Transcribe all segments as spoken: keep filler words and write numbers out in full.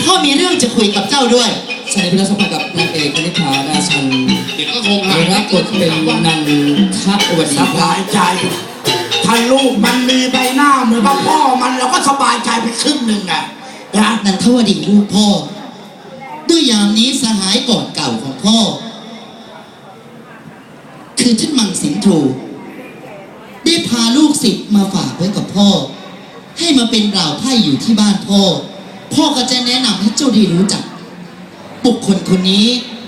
พ่อมีเรื่องจะคุยกับเจ้าด้วยใช่พี่น้องสัมผัสกับนางเอกคณิธาราชันเด็กก็คงหารับบทเป็นนางทะวดีสบายใจถ้าลูกมันมีใบหน้าเหมือนกับพ่อมันเราก็สบายใจไปครึ่งหนึ่งไงนะนันทวดีลูกพ่อด้วยยามนี้สหายก่อนเก่าของพ่อคือท่านมังสินทรูได้พาลูกศิษย์มาฝากไว้กับพ่อให้มาเป็นบ่าวไพ่อยู่ที่บ้านพ่อพ่อก็จะแนะนำให้เจ้าได้รู้จักบุคคลคนนี้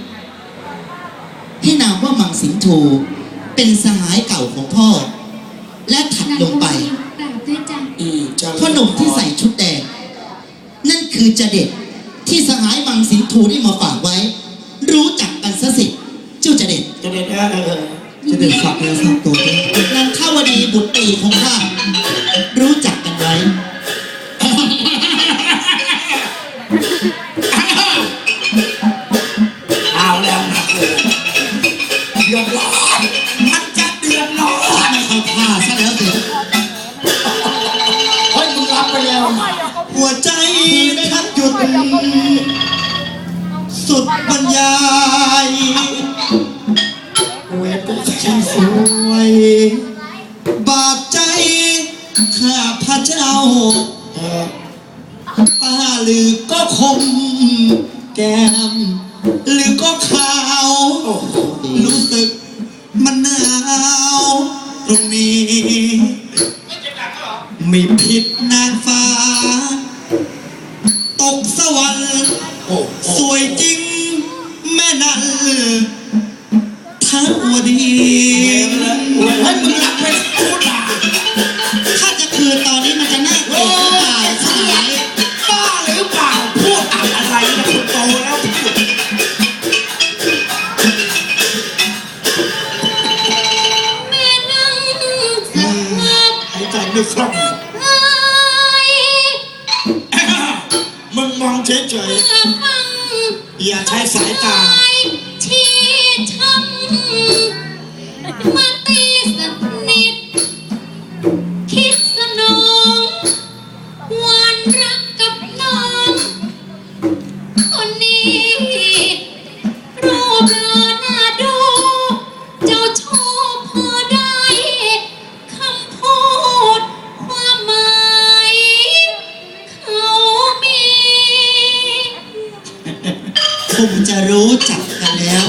ให้นามว่ามังสินทรูเป็นสหายเก่าของพ่อและถัดลงไปพ่อหนุ่มที่ใส่ชุดแดงนั่นคือจะเด็ดที่สหายมังสินทรูได้มาฝากไว้รู้จักกันซะสิเจ้าจะเด็ดจะเด็ดเออจะเดินฝากเนื้อฝากตัวด้วยนันทวดีบุตรตีของข้ารู้จักกันไว้เอาแล้วนะเดือดร้อนมันจะเดือดร้อนเข้าท่าซะแล้วสิเฮ้ยมึงรับไปแล้วหัวใจแทบหยุดสุดบรรยายเวทช่างสวยบาดใจข้าพระเจ้าตาหรือก็คมแก้มหรือก็ขาวรู้สึกมันหนาวตรงนี้ไม่ผิดนางฟ้าตกสวรรค์สวยจริงแม่นั่นทั้งวดีให้มึงรับไปพูดด่าถ้าจะคืนตอนนี้มันจะน่าเกลียดหรือเปล่าสายบ้าหรือเปล่าพูดอะไรนะคุณโตแล้วแม่นั่งสักพักหายใจไม่คล่องมึงมองเฉยๆอย่าใช้สายตาที่ช้ำมาตีสนิทคิดสนองหวานรักกับน้องคนนี้รูปหล่อน่าดูเจ้าชอบพอได้คำพูดความหมายเขามีคงจะรู้จักกันแล้ว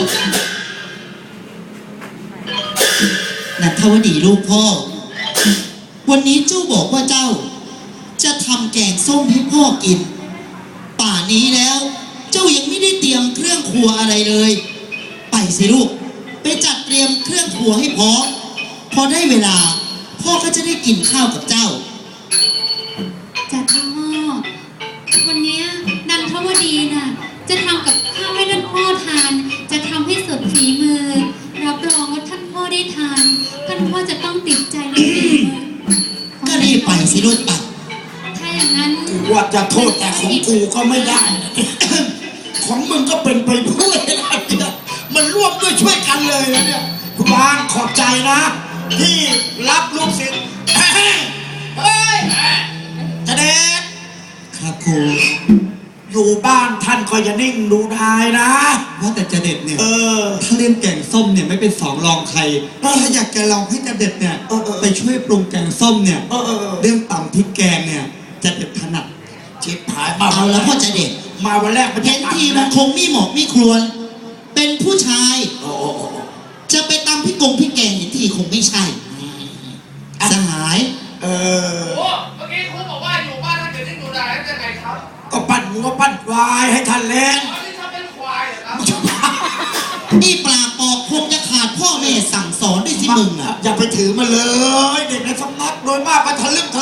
นันทวดีลูกพ่อวันนี้เจ้าบอกว่าเจ้าจะทำแกงส้มให้พ่อกินป่านนี้แล้วเจ้ายังไม่ได้เตรียมเครื่องครัวอะไรเลยไปสิลูกไปจัดเตรียมเครื่องครัวให้พร้อมพอได้เวลาพ่อก็จะได้กินข้าวกับเจ้าจัดพ่อวันนี้นันทวดีน่ะจะทำกับข้าวให้ท่านพ่อทานจะทำให้สุดฝีมือรับรองว่าท่านพ่อได้ทานท่านพ่อจะต้องติดใจในฝีมือก็รีบไปสิลูกปัดถ้าอย่างนั้นว่าจะโทษแต่ของกูก็ไม่ได้ของมึงก็เป็นไปด้วยนะมันร่วมด้วยช่วยกันเลยนะเนี่ยคุณบางขอบใจนะที่รับลูกศิษย์เฮ้ยจะเด็ดครับครูอยู่บ้านท่านก็อย่านิ่งดูได้นะว่าแต่จะเด็ดเนี่ยเออถ้าเล่นแกงส้มเนี่ยไม่เป็นสองรองใครถ้าอยากจะลองให้จะเด็ดเนี่ยไปช่วยปรุงแกงส้มเนี่ยเรื่องตำพริกแกงเนี่ยจะเด็ดถนัดชิบหายมาเอาแล้วพ่อจะเด็ดมาวันแรกเห็นทีมันคงไม่เหมาะไม่ควรเป็นผู้ชายจะไปตำพริกกงพริกแกงเห็นทีคงไม่ใช่สหายเออโอ้เมื่อกี้ครูบอกว่าอยู่บ้านท่านเกิดที่ดูได้จะไงครับก็ปั้นก็ปั้นควายให้ท่านเล่นนี่ทำเป็นควายเหรอครับนี่ปลาปอกคงจะขาดพ่อแม่สั่งสอนด้วยสิมึงอ่ะอย่าไปถือมาเลยเด็กในสำนักโดยมากไปทะลึ่ง